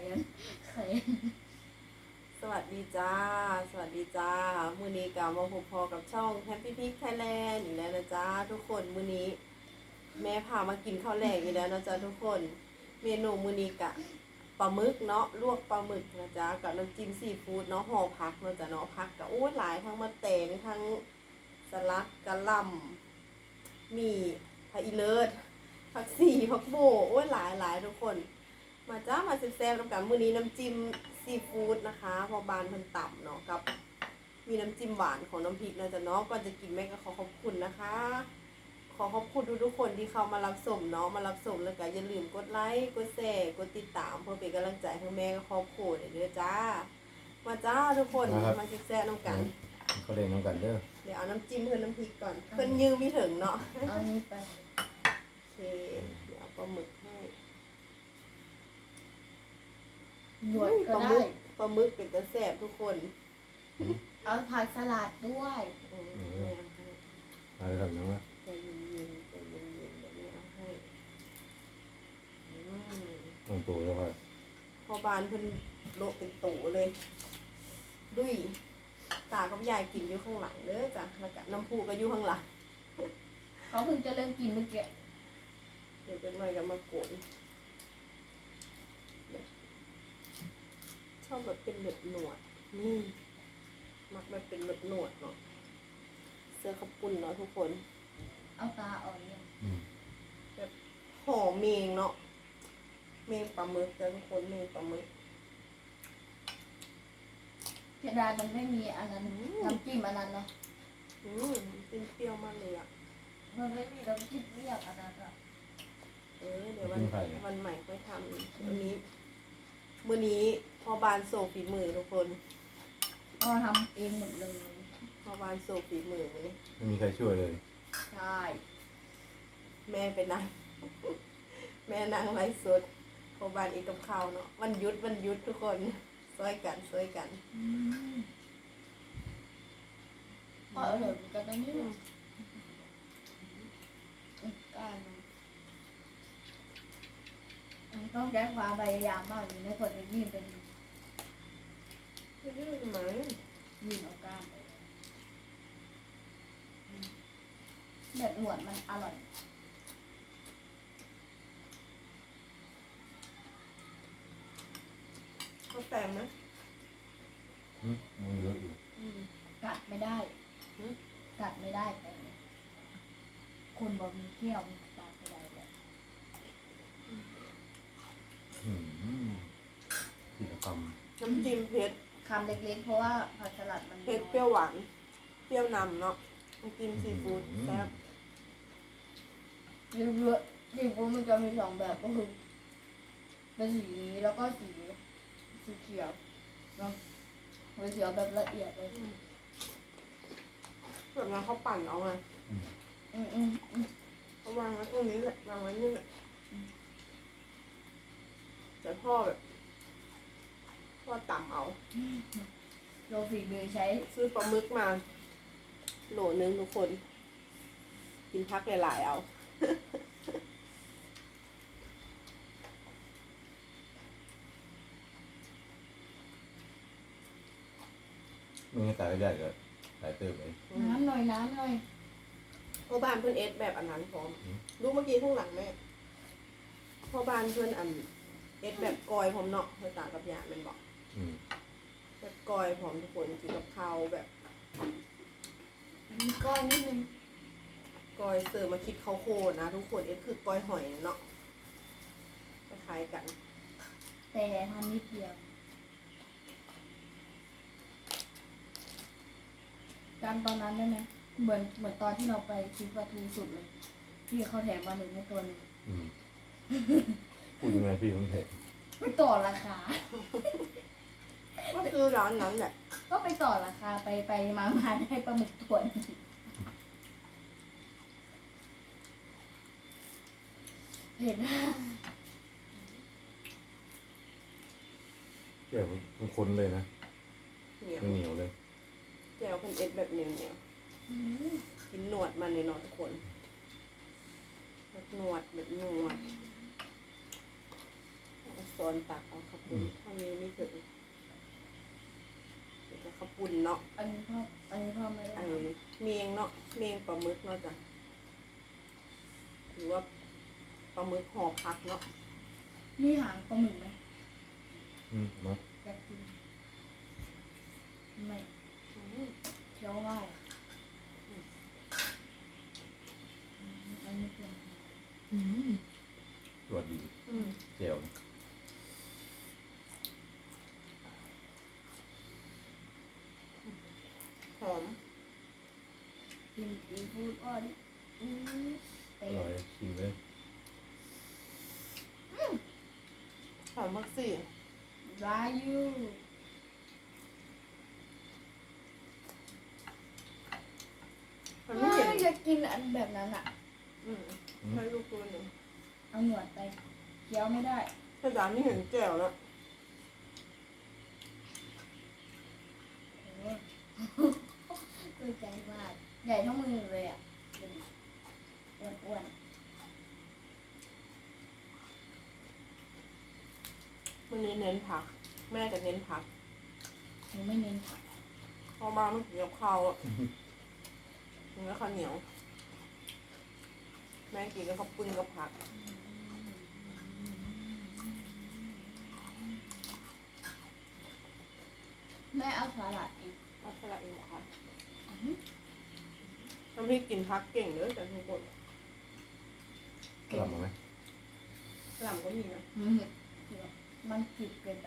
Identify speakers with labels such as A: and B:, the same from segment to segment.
A: ไข่
B: สวัสดีจ้า สวัสดีจ้า มื้อนี้กลับมาพบพอกับช่อง Happy Pig Thailand อีกแล้วนะจ้าทุกคน มื้อนี้แม่พามากินข้าวแลกอีกแล้วนะจ้าทุกคน เมนูมื้อนี้กะปลาหมึกเนาะ ลวกปลาหมึกนะจ้ากับน้ำจิ้มซีฟู้ดเนาะห่อผักเนาะจ้าเนาะผักกะโอ้หลายทั้งมะแตงทั้งสลัดกะหล่ำมีผักอีเลิศผักสีผักโบโอ้ยหลายทุกคน มาจ้ามาแซ่บๆแล้วกันมื้อนี้น้ำจิ้มซีฟู้ดนะคะพอบานเพิ่นต่ำเนาะกับมีน้ำจิ้มหวานของน้ำพริกนะจ๊ะเนาะก่อนจะกินแม่ก็ขอขอบคุณนะคะ ขอขอบคุณทุกๆคนที่เข้ามารับชมเนาะมารับชมแล้วก็อย่าลืมกดไลค์กดแชร์กดติดตามเพื่อเป็นกำลังใจให้แม่กับครอบครัวเด้อจ้ามาจ้าทุกคนมาแซ่บๆน้ำกัน
C: เขาเล่นน้ำกันเด้อ
B: เดี๋ยวเอาน้ำจิ้มเพิ่นน้ำพริกก่อนเพิ่นยืมมีถึงเนาะ
A: เอานี้ไป
B: โอเคเดี๋ยวเอาปลาหมึกให้
A: หยวด
B: ป
A: ก็
B: ลาห
A: ได้
B: มึกปลาหมึกเป็นตะแซ่บทุกคน
A: เอาผักสลัดด้วย
C: มาเลยครับน้องว่า
B: ใจเย็นๆใจเย็นๆเดี๋ยวแม่เอาให้อืม
C: น้องตัวแล้วก็
B: พอบานเพิ่นโละเป็นตู่เลยดุยตากับยายกินอยู่ข้างหลังเด้อจ้ะแล้วก็น้ำพุก็อยู่ข้างหลัง
A: เขาเพิ่งจะเริ่มกินเมื่อกี้
B: เดี๋ยวเป็นหน่อยก็มาโกนชอบแบบเป็นหนวดนี่มักแบบเป็นหนวดเนาะเสื้อขับปุ่นเนาะทุกคน
A: เอาตาอ่อนเนี่ย
B: แบบหอมเมงเนาะเมงปลาหมึกจ้ะทุกคนเมงปลาหมึก
A: เสียดายมันไม่มีอันนั้นน้ำจิ้มอันนั้นเนาะ
B: เป็นเปรี้ยวมากเลยอ่ะ
A: มันไม่มีน้ำจิ้มเรียกอันนั้นอ่ะ
B: เดี๋ยววันใหม่ค่อยทำวันนี้มื้อนี้พ่อบานโซฝีมือทุกคน
A: ก็ทำเองหมดเลย
B: พ่อบานโซฝีมือมื้อนี้
C: ไม่มีใครช่วยเลย
A: ใช่
B: แม่ไปนั่ง แม่นั่งไลฟ์สดพ่อบานเอกกับข้าวเนาะวันหยุดทุกคนช่วยกัน
A: ก็อร่อยเหมือนกันนะเนี่ยก้านมันต้องใช้ความพยายามมากเลยนะคนจะยื่นเป็น
B: ไม่รู้ทำไม
A: ยื่นเอาก้านไปแบบหนวดมันอร่อย
B: เขาแต่งไหม
C: มันเยอะอยู่
A: กัดไม่ได้ กัดไม่ได้แต่คนบอกมีเขี้ยวมีกัดไม่ได้เลย
C: กิจกรรม
B: น้ำจิ้มเผ็ด
A: คำเล็กๆเพราะว่าผักสลัดมัน
B: เผ็ดเปรี้ยวหวานเปรี้ยวนำเนาะน้ำจิ้มซีฟู้ดแซ่บ
A: เยอะๆซีฟู้ดมันจะมีสองแบบก็คือเป็นสีนี้แล้วก็สีเขียวเนาะสีเขียวแบบละเอียดเลย
B: แบบนั้นเขาปั่นเอาไง เขาวางไว้ตรงนี้แหละวางไว้นี่แหละแต่พ่อแบบพ่อต่ำเอา
A: โรฝีมือใช้
B: ซื้อปลาหมึกมาโหลนึงทุกคน กินพักหลายๆเอา
C: มึงให้ตายก็ได้ก็ตายเติมเลย
A: น้ำหน่อยน้ำหน่อย
B: พ่อบ้านเพื่อนเอสแบบอันนั้นพร้อมดูเมื่อกี้ข้างหลังแม่พ่อบ้านเพื่อนอันเอสแบบกอยพร้อมเนาะภาษากับยาเป็นบอกแบบกอยพร้อมทุกคนกินกับข้าวแบบ
A: มีก้อนนิดนึง
B: กอยเสิร์ฟมาคิดเขาวโคนะทุกคนเอสคือกอยหอยเนาะคล้ายๆกัน
A: แต่ทำนิดเดียวการตอนนั้นได้ไหมเหมือนตอนที่เราไปซื้อปลาทูสุดเลยที่เขาแถมมาหนึ่งในตัวหนึง
C: พูดยังไงพี่ผมเห็น
A: ไม่ต่อราคา
B: ก็คือร้านนั้นแหละ
A: ก็ไปต่อราคาไปมาได้ปลาหมึกตัวหนึงเห็น
C: แก่มันคนเลยนะ
B: เหนียว
C: ไม่เหนียวเลย
B: แจวเป็นเอสแบบเหนียวกินหนวดมันเลยเนาะทุกคนแบบหนวดแบบหนวดสอนตักเอาข้าวปุ้นเท่านี้ไม่ถึงเดี๋ยวก็ข้าวปุ้นเนาะ
A: อันนี้พ่อไม่ได้
B: อันนี้เมียงเนาะเมียงปลาหมึกเนาะจ้ะหรือว่าปลาหมึกห่อผักเนาะ
A: มีหางปลาหมึกไหม
C: เนาะ
A: อยากกินไม่
B: อืม
A: เคี้ยวง่ายอันนี้เป็น
C: ตรวจดี
B: อืม
C: เจียว
B: หอม
A: กินซีฟู้ดอ่อนเตะ
C: อร่อยชิมเลย
B: หอมมากสิ
A: รายู
B: มันไม่เห็น
A: อยากกินอันแบบนั้นอ่ะ
B: อืมให้ลูกตัวหนึ่ง
A: เอาหนวดไปเคี้ยวไม่ได้
B: ถ้าจานไม่เห็นแจ่วแล้ว
A: โอ้ตัวใจมากใหญ่เท่ามือเลยอ่ะอ้วน
B: วันนี้เน้นผัก แม่จะเน้นผัก
A: ๆหนูไม่เน้นผัก
B: พอมาไม่กินกับข้าวอ่ะกินกับข้าวเหนียว แม่กินกับข้าวปุ้นกับผัก
A: แม่เอาสลัดอีก
B: เอาสลัดเองค่ะน้ำพริกกินผักเก่งเลยแต่ทุกคน
C: กลับมาไหม
B: กล่ำก็มีนะ
A: มันจืดเกินไป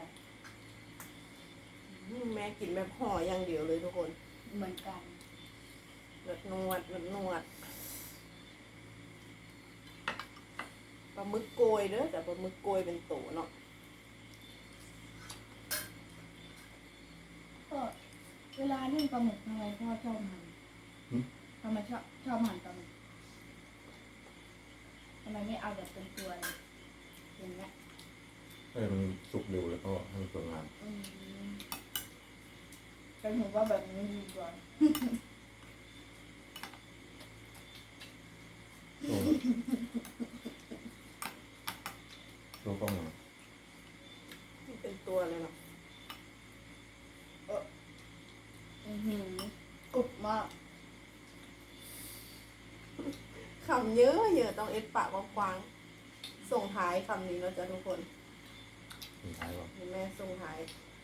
B: แม่กินแบบห่ออย่างเดียวเลยทุกคน
A: เหมือนกัน
B: แบบนวดแบบนวดปลาหมึกโกยเด้อแต่ปลาหมึกโกยเป็นโตเนาะ
A: ก็เวลานึ่งปลาหมึกทำไมพ่อชอบหั่นทำไมชอบหั่นปลาหมึกทำไมไม่เอาแบบเป็นตัวเลยอย่างเงี้ย
C: ให้มันสุกเร็วแล้วก็ให้มันสวยงาม
A: แต่หนูว่าแบบนี้ดีกว่า
C: โซ่โซ่กล้องมา
B: เป็นตัวเลยเนาะ
A: กรุบมาก
B: คำเยอะเยอะต้องเอ็ดปากกว้างๆส่งท้ายคำนี้เนาะจ้ะทุกคน
C: สุดท้ายก่อน
B: เห็นแม่ส่งท้าย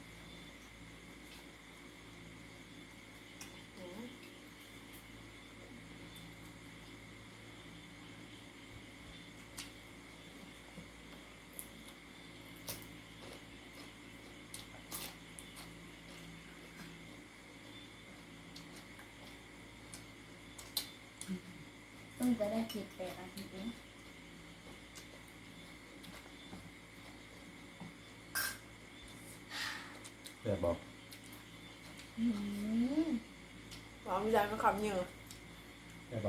B: อืม
A: ต้องจะได้กิน8 นาทีเอง
C: แซ่บบอก
B: หวานใจก็คำเยอะ
C: แซ่บบอก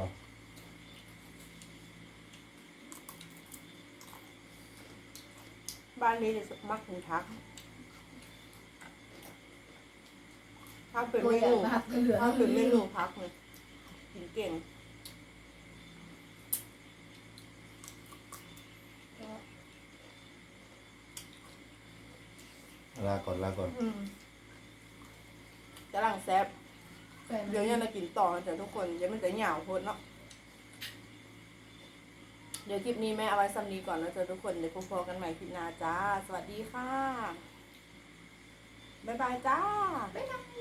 B: บ้านนี้จะมักกินทักถ้าเป็น
A: ตัว
B: เม
A: ใหญ่
B: นู
A: มากเหลือ
B: ถ้าเป็นเมนูพักเลยกินเก่ง
C: ลาก่อนลาก่อน
B: จะหลังแซบ
A: แต่
B: เดี๋ยวยังจะกินต่อจ้ะทุกคนเดี๋ยวมันจะเหงาโพดเนาะเดี๋ยวคลิปนี้แม่เอาไว้ซ้ำนี้ก่อนแล้วจ้ะทุกคนเดี๋ยวพบกันใหม่คลิปหน้าจ้า สวัสดีค่ะ บ๊ายบายจ้า
A: บ๊ายบาย